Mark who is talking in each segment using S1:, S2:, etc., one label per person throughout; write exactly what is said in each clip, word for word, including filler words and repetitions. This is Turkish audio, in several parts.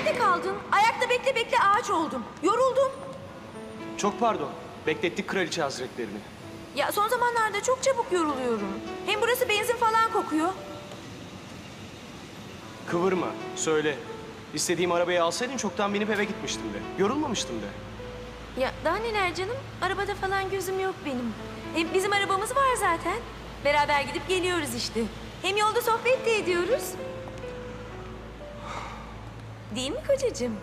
S1: nerede kaldın? Ayakta bekle bekle ağaç oldum. Yoruldum.
S2: Çok pardon. Beklettik kraliçe hazretlerini.
S1: Ya son zamanlarda çok çabuk yoruluyorum. Hem burası benzin falan kokuyor.
S2: Kıvırma, söyle. İstediğim arabayı alsaydın çoktan binip eve gitmiştim de. Yorulmamıştım de.
S1: Ya daha neler canım? Arabada falan gözüm yok benim. Hem bizim arabamız var zaten. Beraber gidip geliyoruz işte. Hem yolda sohbet de ediyoruz. Değil mi kocacığım?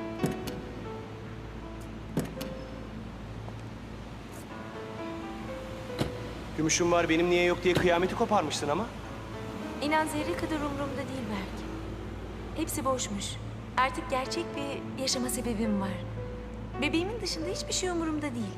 S2: Gümüşüm var benim niye yok diye kıyameti koparmıştın ama.
S1: İnan zerre kadar umurumda değil belki. Hepsi boşmuş. Artık gerçek bir yaşama sebebim var. Bebeğimin dışında hiçbir şey umurumda değil.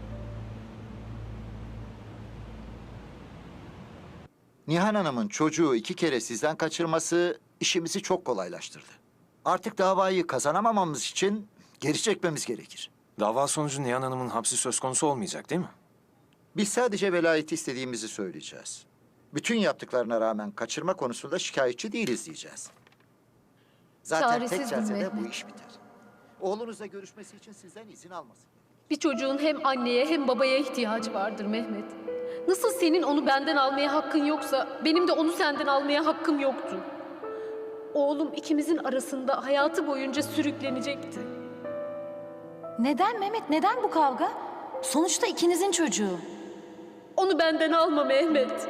S3: Nihan Hanım'ın çocuğu iki kere sizden kaçırması işimizi çok kolaylaştırdı. Artık davayı kazanamamamız için geri çekmemiz gerekir.
S4: Dava sonucu Nihan Hanım'ın hapsi söz konusu olmayacak değil mi?
S3: Biz sadece velayeti istediğimizi söyleyeceğiz. Bütün yaptıklarına rağmen kaçırma konusunda şikayetçi değiliz diyeceğiz. Zaten tek
S5: Çaresizdim
S3: celsede bu
S5: Mehmet.
S3: iş biter. Oğlunuzla görüşmesi için sizden izin almasın.
S5: Bir çocuğun hem anneye hem babaya ihtiyacı vardır Mehmet. Nasıl senin onu benden almaya hakkın yoksa benim de onu senden almaya hakkım yoktu. Oğlum ikimizin arasında hayatı boyunca sürüklenecekti.
S6: Neden Mehmet? Neden bu kavga? Sonuçta ikinizin çocuğu.
S5: Onu benden alma Mehmet.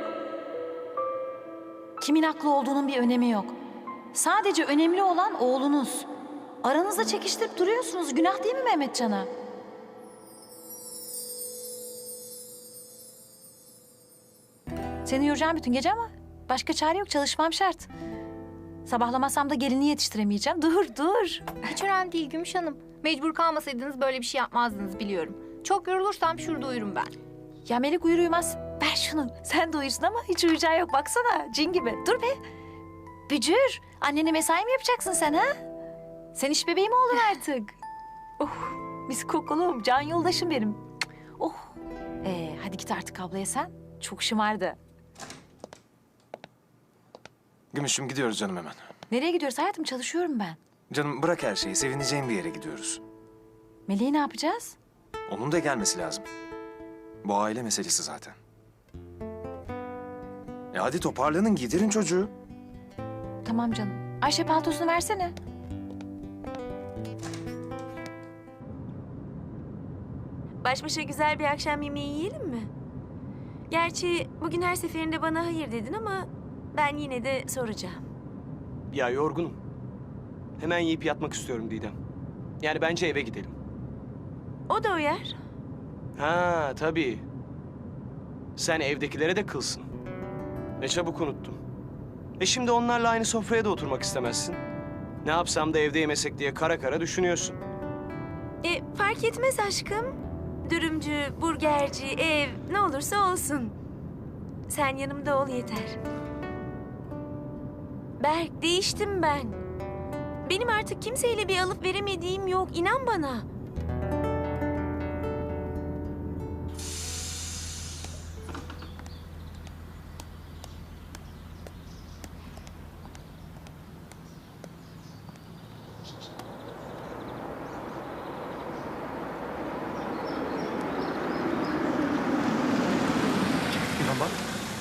S6: Kimin haklı olduğunun bir önemi yok. Sadece önemli olan oğlunuz. Aranızda çekiştirip duruyorsunuz. Günah değil mi Mehmetcan'a? Seni yoracağım bütün gece ama başka çare yok. Çalışmam şart. Sabahlamasam da gelini yetiştiremeyeceğim. Dur, dur.
S7: Hiç önemli değil Gümüş Hanım. Mecbur kalmasaydınız böyle bir şey yapmazdınız biliyorum. Çok yorulursam şurada uyurum ben.
S6: Ya Melek uyur uyumaz. Ver şunu. Sen de uyursun ama hiç uyuyacağı yok. Baksana cin gibi. Dur be. Bücür. Annene mesai mi yapacaksın sen ha? Sen iş bebeği mi oldun artık? Oh, mis kokulum. Can yoldaşım benim. Cık, oh. Ee, hadi git artık ablaya sen. Çok şımardı.
S4: Gümüşüm gidiyoruz canım hemen.
S6: Nereye gidiyoruz hayatım? Çalışıyorum ben.
S4: Canım bırak her şeyi. Sevineceğim bir yere gidiyoruz.
S6: Meleği ne yapacağız?
S4: Onun da gelmesi lazım. Bu aile meselesi zaten. E hadi toparlanın, giydirin çocuğu.
S6: Tamam canım. Ayşe paltosunu versene.
S1: Baş başa güzel bir akşam yemeği yiyelim mi? Gerçi bugün her seferinde bana hayır dedin ama ben yine de soracağım.
S2: Ya yorgunum. Hemen yiyip yatmak istiyorum Didem. Yani bence eve gidelim.
S1: O da uyar.
S2: Ha tabii. Sen evdekilere de kılsın. Ne çabuk unuttum. E şimdi onlarla aynı sofraya da oturmak istemezsin. Ne yapsam da evde yemesek diye kara kara düşünüyorsun.
S1: E, fark etmez aşkım. Dürümcü, burgerci, ev ne olursa olsun. Sen yanımda ol yeter. Berk, değiştim ben. Benim artık kimseyle bir alıp veremediğim yok, inan bana.
S4: İnan bak.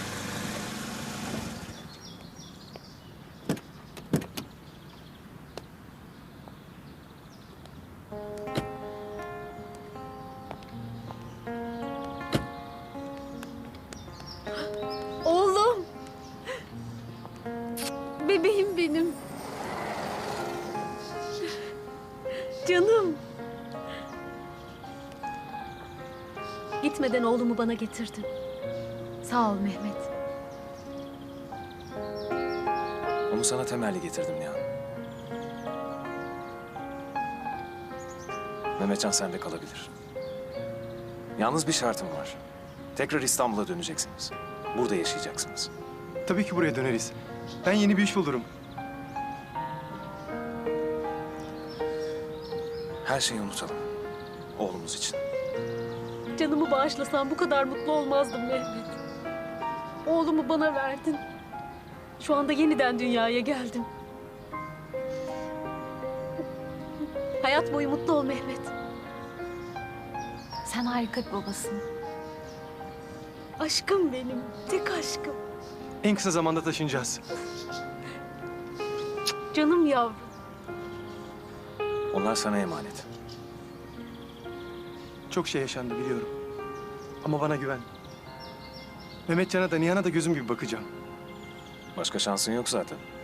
S5: Oğlum. Bebeğim benim. Canım. Gitmeden oğlumu bana getirdin. Sağ ol Mehmet.
S4: Onu sana temelli getirdim Nihan. Mehmetcan sende kalabilir. Yalnız bir şartım var. Tekrar İstanbul'a döneceksiniz. Burada yaşayacaksınız.
S8: Tabii ki buraya döneriz. Ben yeni bir iş bulurum.
S4: Her şeyi unutalım. Oğlumuz için.
S5: Canımı bağışlasan bu kadar mutlu olmazdım Mehmet. Oğlumu bana verdin. Şu anda yeniden dünyaya geldim. Hayat boyu mutlu ol Mehmet.
S6: Sen harika bir babasın.
S5: Aşkım benim, tek aşkım.
S8: En kısa zamanda taşınacağız.
S5: Canım yavrum.
S4: Onlar sana emanet.
S8: Çok şey yaşandı biliyorum. Ama bana güven. Mehmetcan'a da Nihan'a da gözüm gibi bakacağım.
S4: Başka şansın yok zaten.